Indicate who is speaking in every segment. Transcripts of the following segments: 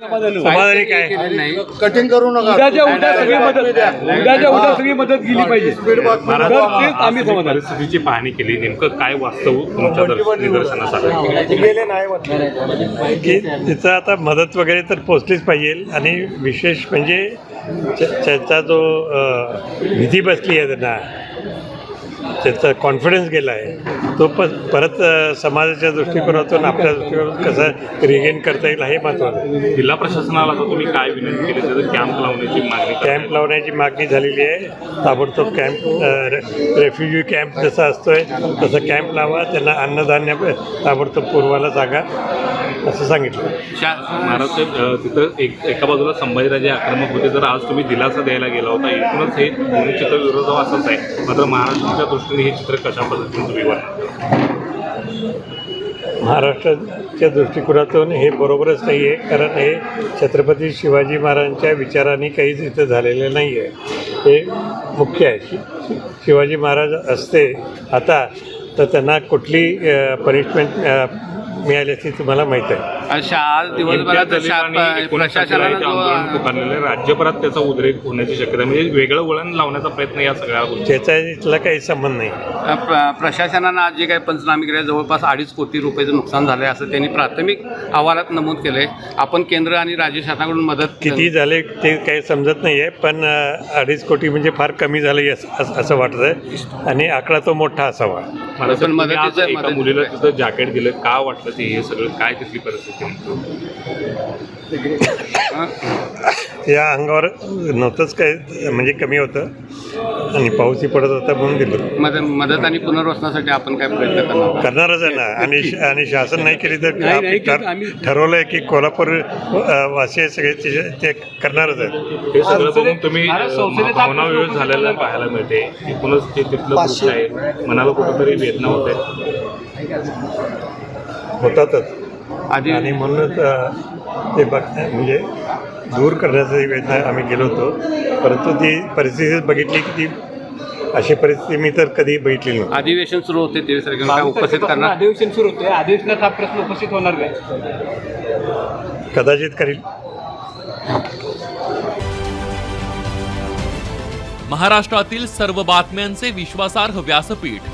Speaker 1: समाधानी काय
Speaker 2: कटिंग करू नका.
Speaker 3: उद्या सगळी मदत गेली पाहिजे. आम्ही
Speaker 4: परिस्थितीची पाहणी केली, नेमकं काय वास्तव तुमच्या निदर्शनास आलं
Speaker 1: की तिथं आता मदत वगैरे तर पोचलीच पाहिजे. आणि विशेष म्हणजे त्याचा जो भीती बसली आहे त्यांना, त्याचा कॉन्फिडन्स गेला आहे, तो परत समाजाच्या दृष्टिकोनातून आपल्या दृष्टिकोनातून कसं रिगेन करता येईल हे महत्त्वाचं आहे.
Speaker 4: जिल्हा प्रशासनाला आता तुम्ही काय विनंती केली, त्याचं कॅम्प लावण्याची मागणी
Speaker 1: कॅम्प लावण्याची मागणी झालेली आहे. ताबडतोब कॅम्प, रेफ्युजी कॅम्प जसा असतोय तसं कॅम्प लावा, त्यांना अन्नधान्य ताबडतोब पुरवायला सांगा असं सांगितलं.
Speaker 4: महाराष्ट्र तिथं एका बाजूला संभाजीराजे आक्रमक होते, तर आज तुम्ही दिलासा द्यायला गेला होता. एकूणच हे दोन्ही चित्र विरोधाभासच आहे. मात्र महाराष्ट्राच्या दृष्टीने हे चित्र कशा पद्धतीने तुम्ही
Speaker 1: महाराष्ट्राच्या दृष्टिकोनातून हे बरोबरच नाही आहे, कारण हे छत्रपती शिवाजी महाराजांच्या विचारांनी काहीच इथं झालेलं नाही आहे. हे मुख्य आहे. शिवाजी महाराज असते आता तर त्यांना कुठली पनिशमेंट मिळाली असती तुम्हाला माहीत आहे.
Speaker 5: आज दिवसभरात
Speaker 4: आंदोलन पुकारलेलं राज्यभरात त्याचा उद्रेक होण्याची शक्यता, म्हणजे वेगळं वळण लावण्याचा प्रयत्न या सगळ्या गोष्टी.
Speaker 1: त्याचा इथला काही संबंध नाही.
Speaker 5: प्रशासनानं आज जे काही पंचनामे केले, जवळपास 2.5 कोटी रुपयाचं नुकसान झालं आहे असं त्यांनी प्राथमिक अहवालात नमूद केलं आहे. आपण केंद्र आणि राज्य शासनाकडून मदत
Speaker 1: किती झाले ते काही समजत नाही आहे, पण 2.5 कोटी म्हणजे फार कमी झालं असं वाटतं आहे. आणि आकडा तो मोठा असावा.
Speaker 4: एका मुलीला तिथं जॅकेट दिलं, का वाटलं ते हे सगळं, काय तिथली परिस्थिती?
Speaker 1: या अंगावर नव्हतंच काय, म्हणजे कमी होतं आणि पाऊसही पडत होता म्हणून दिलं.
Speaker 5: मदत आणि पुनर्वसनासाठी आपण काय प्रयत्न
Speaker 1: करणारच आहे ना. आणि शासन नाही केली तर ठरवलं आहे की कोल्हापूर वासी सगळे ते करणारच आहेत.
Speaker 4: हे सगळं बघून तुम्ही भावनाविरोध झालेला पाहायला मिळते. एकूणच ते तिथलं दृश्य आहे, मनाला कुठंतरी वेदना होते,
Speaker 1: होतातच. आणि म्हणूनच ते म्हणजे दूर करण्याचा वेदना आम्ही गेलो होतो. परंतु ती परिस्थिती बघितली की ती अशी परिस्थिती मी तर कधी बघितली नव्हती.
Speaker 5: अधिवेशन सुरू होते ते उपस्थित करणार.
Speaker 3: अधिवेशन सुरू होते, अधिवेशनात हा प्रश्न उपस्थित होणार काय?
Speaker 1: कदाचित करील.
Speaker 6: महाराष्ट्रातील सर्व बातम्यांचे विश्वासार्ह व्यासपीठ.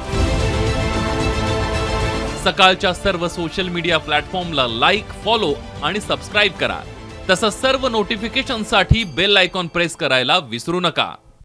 Speaker 6: सकाळच्या सर्व सोशल मीडिया प्लॅटफॉर्मला लाईक, फॉलो आणि सबस्क्राईब करा. तसंच सर्व नोटिफिकेशनसाठी बेल आयकॉन प्रेस करायला विसरू नका.